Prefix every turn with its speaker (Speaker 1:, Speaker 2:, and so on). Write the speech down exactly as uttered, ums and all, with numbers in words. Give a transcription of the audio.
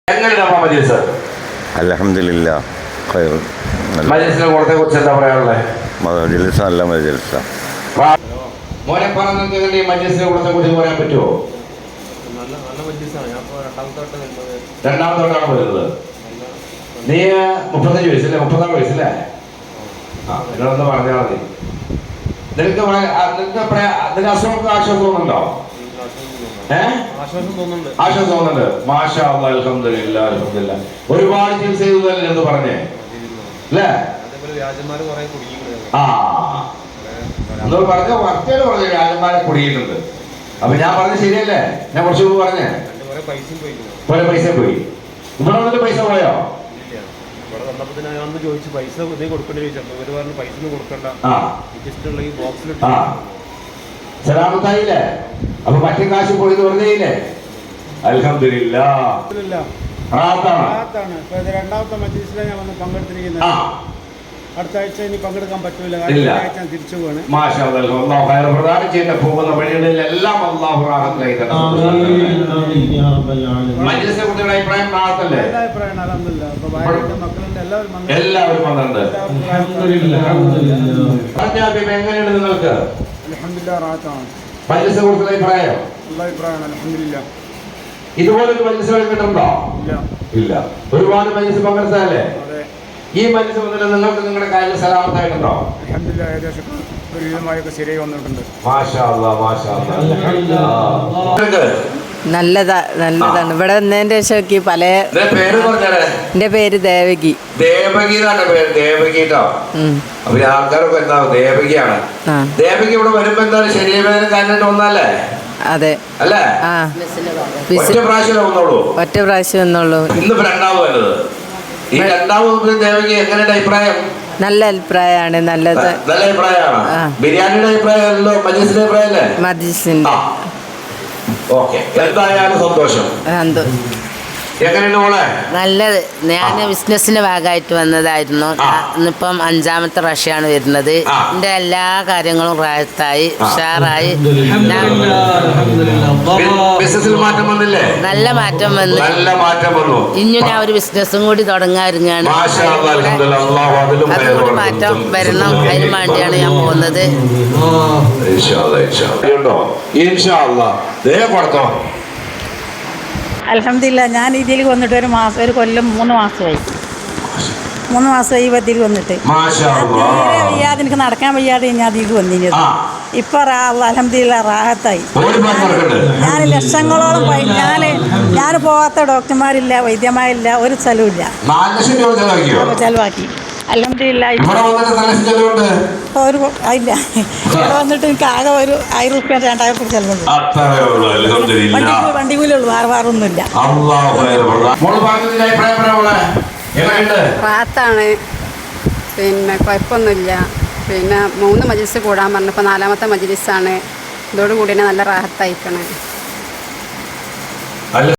Speaker 1: അൽഹംദുലില്ലാ
Speaker 2: മജ്‌ലിസിനെ കുറിച്ച് എന്താ പറയാനുള്ളത്?
Speaker 1: മജ്‌ലിസ് നല്ല മജ്‌ലിസാ.
Speaker 2: മോനെ പറഞ്ഞ ഈ മജ്‌ലിസിനെ കുറിച്ച് പറയാൻ പറ്റുമോ?
Speaker 3: നല്ല നല്ല മജ്‌ലിസാണ്. ഞാൻ ഇപ്പോൾ രണ്ടാമത്തെ വട്ടം
Speaker 2: രണ്ടാമത്തെ വട്ടമാണ് വരുന്നത്. നീ മുപ്പത്തഞ്ച് വയസ്സല്ലേ? മുപ്പത്താറ് വയസ്സല്ലേ? ആ നിങ്ങളൊന്ന് പറഞ്ഞാൽ മതി. നിനക്ക് നിനക്ക് അസുഖങ്ങൾക്ക് ആശ്വാസം തോന്നുന്നുണ്ടോ? ഏഹ് ആശ്വാസം തോന്നുന്നുണ്ട്. ആശ്വാസം തോന്നുന്നുണ്ട്. മാഷാ അല്ലാഹ്, അൽഹംദുലില്ലാ, അൽഹംദുലില്ലാ. ഒരുപാട് ചികിത്സ ചെയ്തതല്ലേ എന്ന് പറഞ്ഞേ അല്ലേ? ആ എന്നോട് പറഞ്ഞ വർച്ചോട് പറഞ്ഞു രാജന്മാരെ കുടുങ്ങിയിട്ടുണ്ട്. അപ്പൊ ഞാൻ പറഞ്ഞത് ശരിയല്ലേ? ഞാൻ കുറച്ച് മുമ്പ് പറഞ്ഞേ കുറെ പൈസ പോയി. ഇവിടെ വന്നിട്ട് പൈസ പോയോ? സലാമത്തായില്ലേ? അപ്പൊ മറ്റേ കാശ് പോയത് വെറുതെയില്ലേ? അൽഹംദുലില്ലാ.
Speaker 4: രണ്ടാമത്തെ മജ്‌ലിസിലാണ് ഞാൻ വന്ന് പങ്കെടുത്തിരിക്കുന്നത്. അടുത്ത ആഴ്ച ഇനി പങ്കെടുക്കാൻ പറ്റൂല, തിരിച്ചു പോകണം.
Speaker 2: പ്രധാനം ചെയ്യുന്ന പോകുന്ന വഴികളിലെല്ലാം അല്ലാഹു റാഹത്തായി തരട്ടെ. മജ്‌ലിസിനെ കുറിച്ചുള്ള അഭിപ്രായം റാഹത്തല്ലേ? എല്ലാവരും വന്നിട്ടുണ്ട്. എങ്ങനെയുണ്ട് നിങ്ങൾക്ക്?
Speaker 4: അൽഹംദുലില്ലാ, റാഹത്താണ്.
Speaker 2: മജ്‌ലിസിനെ കുറിച്ചുള്ള അഭിപ്രായം?
Speaker 4: നല്ല അഭിപ്രായമാണ്, അൽഹംദുലില്ലാ.
Speaker 2: ഇതുപോലൊരു മജ്‌ലിസ് കിട്ടുന്നുണ്ടോ? ഇല്ല. ഒരുപാട് മജ്‌ലിസ് പങ്കെടുത്തല്ലേ? ഈ മജ്‌ലിസ് വന്നിട്ട് നിങ്ങൾക്ക് നിങ്ങളുടെ കാര്യം സലാമത്തായിട്ടുണ്ടോ?
Speaker 4: അൽഹംദുലില്ലാ, ഏകദേശം ഒരു വിധമായൊക്കെ ശരിയായി വന്നിട്ടുണ്ട്.
Speaker 2: മാഷാ അല്ലാഹ്, മാഷാ അല്ലാഹ്.
Speaker 5: നല്ലതാ നല്ലതാണ്. ഇവിടെ വന്നതിന്റെ ശേഷം പല
Speaker 2: പേര് പറഞ്ഞേ.
Speaker 5: എന്റെ പേര് ദേവകി.
Speaker 2: ദേവകി എന്നാണ് പേര്. ദേവകി കേട്ടോ. അപ്പൊ ആൾക്കാരൊക്കെ എന്താ ദേവകിയാണ്. ദേവകി ഇവിടെ വരുമ്പോ എന്താണ് ശരീരവേദന കാര്യമായിട്ട് വന്നല്ലേ?
Speaker 5: അതെ
Speaker 2: അല്ലേ?
Speaker 5: ആ
Speaker 2: ഒറ്റ പ്രാവശ്യം വന്നോളൂ.
Speaker 5: ഒറ്റ പ്രാവശ്യം വന്നോളൂ.
Speaker 2: ഇന്നിപ്പോ രണ്ടാമത് വരുന്നത്. ഈ രണ്ടാമത് ദേവകി എങ്ങനെയുണ്ട് അഭിപ്രായം?
Speaker 5: നല്ല അഭിപ്രായമാണ്. നല്ലത്
Speaker 2: നല്ല അഭിപ്രായമാണ്. ബിരിയാണിയുടെ അഭിപ്രായമല്ലോ മജ്‌ലിസിന്റെ അഭിപ്രായം അല്ലേ?
Speaker 5: മജ്‌ലിസിന്റെ.
Speaker 2: ഓക്കെ, എന്തായാലും സന്തോഷം. എങ്ങനെയുണ്ട് മോളെ?
Speaker 6: നല്ലത്. ഞാൻ ബിസിനസിന്റെ ഭാഗമായിട്ട് വന്നതായിരുന്നു. ഇന്നിപ്പം അഞ്ചാമത്തെ പ്രാവശ്യമാണ് വരുന്നത്. എന്റെ എല്ലാ കാര്യങ്ങളും റാഹത്തായി ഉഷാറായി.
Speaker 2: ബിസിനസിൽ മാറ്റം വന്നില്ലേ?
Speaker 6: നല്ല മാറ്റം വന്നു.
Speaker 2: നല്ല മാറ്റം വന്നു.
Speaker 6: ഇനി ഞാൻ ഒരു ബിസിനസ്സും കൂടി തുടങ്ങാറുങ്ങാണ്. അതുകൂടി മാറ്റം വരണം. അതിന് വേണ്ടിയാണ് ഞാൻ പോകുന്നത്.
Speaker 7: അൽഹംദുലില്ലാ, ഞാൻ ഇതിൽ വന്നിട്ട് ഒരു മാസം ഒരു കൊല്ലം മൂന്ന് മാസമായി മൂന്ന് മാസമായി ഈ ഇതിൽ വന്നിട്ട്. തീരെ വയ്യാതെ എനിക്ക് നടക്കാൻ വയ്യാതെ ഞാൻ ഇതിൽ വന്നിരുന്നത്. ഇപ്പൊ അൽഹംദുലില്ലാ റാഹത്തായി. ഞാൻ ലക്ഷങ്ങളോളം ഞാൻ ഞാൻ പോകാത്ത ഡോക്ടർമാരില്ല, വൈദ്യന്മാരില്ല, ഒരു സ്ഥലമില്ല. ചെലവാക്കി അൽഹംദുലില്ലാ. ഒരു ഇല്ല, ഇവിടെ വന്നിട്ട് എനിക്ക് ആകെ ഒരു ആയിരം റുപ്യ രണ്ടായിരം റുപ്യ ചെലവുണ്ട്. വണ്ടി വണ്ടി കൂലുള്ളൂ, വേറെ വേറെ ഒന്നുമില്ല.
Speaker 8: റാത്താണ്, പിന്നെ കുഴപ്പമൊന്നുമില്ല. പിന്നെ മൂന്ന് മജ്‌ലിസ് കൂടാൻ പറഞ്ഞപ്പോൾ നാലാമത്തെ മജ്‌ലിസാണ്. ഇതോടുകൂടി തന്നെ നല്ല റാഹത്തായിക്കണേ.